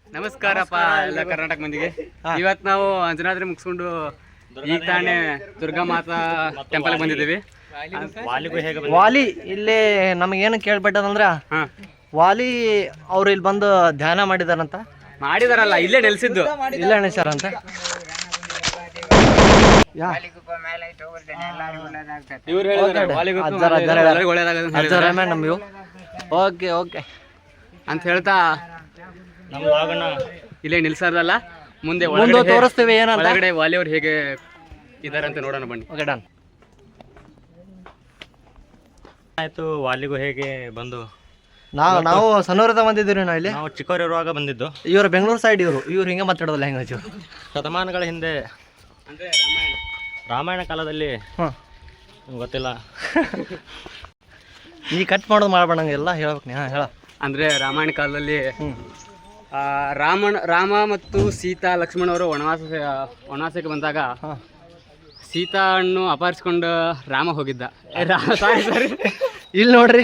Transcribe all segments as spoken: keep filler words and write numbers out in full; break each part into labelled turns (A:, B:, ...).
A: ನಮಸ್ಕಾರಪ್ಪ ಎಲ್ಲ ಕರ್ನಾಟಕ ಮಂದಿಗೆ. ಇವತ್ತು ನಾವು ಅಂಜನಾದ್ರಿ ಮುಗಿಸ್ಕೊಂಡು ಈಗ ತಾನೇ ದುರ್ಗಾ ಮಾತಾ ಟೆಂಪಲ್ ಬಂದಿದ್ದೀವಿ.
B: ವಾಲಿ ಇಲ್ಲಿ ನಮಗೇನು ಕೇಳ್ಬಿಟ್ಟದಂದ್ರ ವಾಲಿ ಅವ್ರು ಇಲ್ಲಿ ಬಂದು ಧ್ಯಾನ ಮಾಡಿದಾರಂತ.
A: ಮಾಡಿದಾರಲ್ಲ, ಇಲ್ಲೇ ನೆಲೆಸಿದ್ದು,
B: ಇಲ್ಲೇ ನೆಲೆಸಾರಂತ. ನಮ್ಗೆ ಓಕೆ ಓಕೆ
A: ಅಂತ ಹೇಳ್ತಾ ಇಲ್ಲೇ ನಿಲ್ಸೋದಲ್ಲ, ಮುಂದೆ
B: ತೋರಿಸ್ತೇವೆ ಏನಂತ.
A: ಒಳಗಡೆ ವಾಲಿ ಅವ್ರು ಹೇಗೆ ಇದಾರೆ ಅಂತ ನೋಡೋಣ ಬನ್ನಿ.
B: Okay done.
C: ಆಯ್ತು, ವಾಲಿಗೂ ಹೇಗೆ ಬಂದು
B: ನಾವು ನಾವು ಸಣ್ಣವರದ ಬಂದಿದ್ದೀವಿ. ನಾವು ಇಲ್ಲಿ
C: ನಾವು ಚಿಕ್ಕವರಿರುವಾಗ ಬಂದಿದ್ದು.
B: ಇವರು ಬೆಂಗಳೂರು ಸೈಡ್, ಇವರು ಇವ್ರು ಹಿಂಗೆ ಮಾತಾಡೋದು ಲ್ಯಾಂಗ್ವೇಜ್.
C: ಶತಮಾನಗಳ ಹಿಂದೆ ರಾಮಾಯಣ ಕಾಲದಲ್ಲಿ ಗೊತ್ತಿಲ್ಲ,
B: ಈ ಕಟ್ ಮಾಡೋದು ಮಾಡ್ಬೇಡ ಎಲ್ಲ ಹೇಳ್ಬೇಕು ನೀ. ಹಾಂ ಹೇಳ.
A: ಅಂದರೆ ರಾಮಾಯಣ ಕಾಲದಲ್ಲಿ ರಾಮಣ ರಾಮ ಮತ್ತು ಸೀತಾ ಲಕ್ಷ್ಮಣ ಅವರು ವನವಾಸ ವನವಾಸಕ್ಕೆ ಬಂದಾಗ ಸೀತಾ ಹಣ್ಣು ಅಪಹರಿಸ್ಕೊಂಡು ರಾಮ ಹೋಗಿದ್ದ. ಸಾರಿ ಸಾರಿ
B: ಇಲ್ಲಿ ನೋಡ್ರಿ,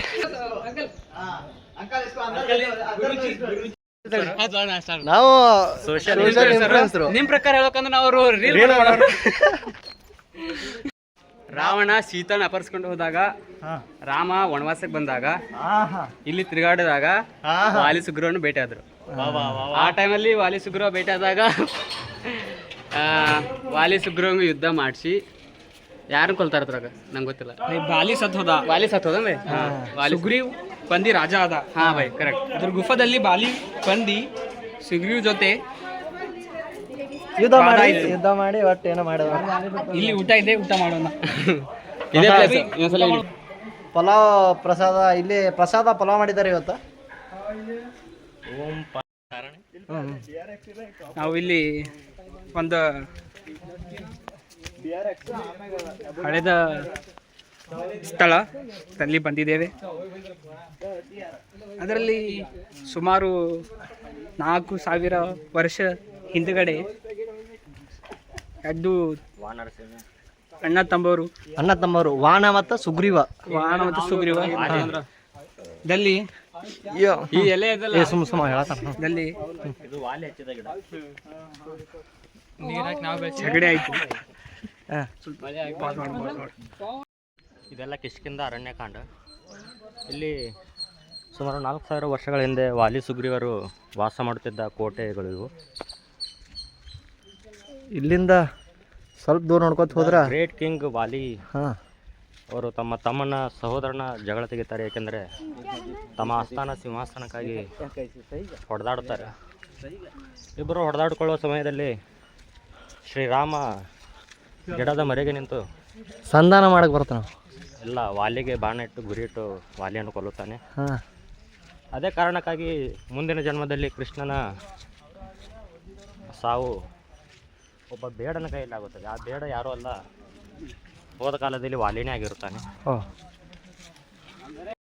B: ನಾವು
A: ನಿಮ್ ಪ್ರಕಾರ ಹೇಳ್ಬೇಕಂದ್ರೆ ನಾವು ಅವರು ರಾವಣ ಸೀತಾನ ಅಪಹರಿಸ್ಕೊಂಡು ಹೋದಾಗ, ರಾಮ ವನವಾಸಕ್ಕೆ ಬಂದಾಗ, ಇಲ್ಲಿ ತಿರುಗಾಡಿದಾಗ ವಾಲಿ ಸುಗ್ರೀವನು ಭೇಟಿ ಆದ್ರು. ಆ ಟೈಮಲ್ಲಿ ವಾಲಿ ಸುಗ್ರೀವ ಭೇಟಿ ಆದಾಗ ವಾಲಿ ಸುಗ್ರೀವಂಗ ಯುದ್ಧ ಮಾಡಿಸಿ ಯಾರನ್ನ ಕೊಲ್ತಾರ ಅದ್ರಾಗ ನಂಗೆ ಗೊತ್ತಿಲ್ಲ.
D: ವಾಲಿ ಸತ್ ಹೋದ
A: ವಾಲಿ ಸತ್ ಹೋದ
D: ಸುಗ್ರೀವ್ ಬಂದಿ ರಾಜ ಆದ.
A: ಹಾ ಬೈ ಕರೆಕ್ಟ್.
D: ಅದ್ರ ಗುಫಾದಲ್ಲಿ ಬಾಲಿ ಬಂದಿ ಸುಗ್ರೀವ್ ಜೊತೆ
B: ಯುದ್ಧ ಮಾಡಿ ಯುದ್ಧ ಮಾಡಿ ಒಟ್ಟು ಏನೋ ಮಾಡೋದು.
D: ಇಲ್ಲಿ ಊಟ ಇದೆ, ಊಟ ಮಾಡೋಣ.
A: ಇದೇ ಪ್ಲೇಸ್.
B: ಪಲಾವ್ ಪ್ರಸಾದ, ಇಲ್ಲಿ ಪ್ರಸಾದ ಪಲಾವ್ ಮಾಡಿದ್ದಾರೆ ಇವತ್ತು.
D: ನಾವು ಇಲ್ಲಿ ಒಂದು ಹಳೆದ ಸ್ಥಳ ಅಲ್ಲಿ ಬಂದಿದ್ದೇವೆ. ಅದರಲ್ಲಿ ಸುಮಾರು ನಾಲ್ಕು ಸಾವಿರ ವರ್ಷ ಹಿಂದುಗಡೆ ಎರಡು ಅಣ್ಣ ತಮ್ಮವರು
B: ಅಣ್ಣ ತಮ್ಮವರು ವಾಣ ಮತ್ತು ಸುಗ್ರೀವ
D: ವಾಣ ಮತ್ತು ಸುಗ್ರೀವ ದಲ್ಲಿ
A: ಈ ಎಲೆ
B: ಸುಮ್ ಸುಮ್ಮ ಹೇಳಲ್ಲಿ
D: ಜಗಡೆ ಆಯ್ತು.
C: ಇದೆಲ್ಲ ಕಿಷ್ಕಿಂಧ ಅರಣ್ಯಕಾಂಡ. ಇಲ್ಲಿ ಸುಮಾರು ನಾಲ್ಕು ಸಾವಿರ ವರ್ಷಗಳ ಹಿಂದೆ ವಾಲಿ ಸುಗ್ರೀವರು ವಾಸ ಮಾಡುತ್ತಿದ್ದ ಕೋಟೆಗಳು ಇವು.
B: ಇಲ್ಲಿಂದ ಸ್ವಲ್ಪ ದೂರ ನೋಡ್ಕೊತ ಹೋದ್ರ
C: ಗ್ರೇಟ್ ಕಿಂಗ್ ವಾಲಿ
B: ಹಾಂ
C: ಅವರು ತಮ್ಮ ತಮ್ಮನ ಸಹೋದರನ ಜಗಳ ತೆಗಿತಾರೆ. ಏಕೆಂದರೆ ತಮ್ಮ ಆಸ್ಥಾನ ಸಿಂಹಾಸನಕ್ಕಾಗಿ ಹೊಡೆದಾಡುತ್ತಾರೆ. ಇಬ್ಬರು ಹೊಡೆದಾಡಿಕೊಳ್ಳುವ ಸಮಯದಲ್ಲಿ ಶ್ರೀರಾಮ ಗಿಡದ ಮರೆಗೆ ನಿಂತು
B: ಸಂಧಾನ ಮಾಡಕ್ಕೆ ಬರ್ತಾನೆ.
C: ಎಲ್ಲ ವಾಲಿಗೆ ಬಾಣ ಇಟ್ಟು ಗುರಿ ಇಟ್ಟು ವಾಲಿಯನ್ನು ಕೊಲ್ಲುತ್ತಾನೆ.
B: ಹಾಂ,
C: ಅದೇ ಕಾರಣಕ್ಕಾಗಿ ಮುಂದಿನ ಜನ್ಮದಲ್ಲಿ ಕೃಷ್ಣನ ಸಾವು ಒಬ್ಬ ಬೇಡನ ಕೈಯಲ್ಲಿ ಆಗುತ್ತದೆ. ಆ ಬೇಡ ಯಾರೂ ಅಲ್ಲ, ಹೋದ ಕಾಲದಲ್ಲಿ ವಾಲಿನೇ ಆಗಿರುತ್ತಾನೆ.
B: ಓ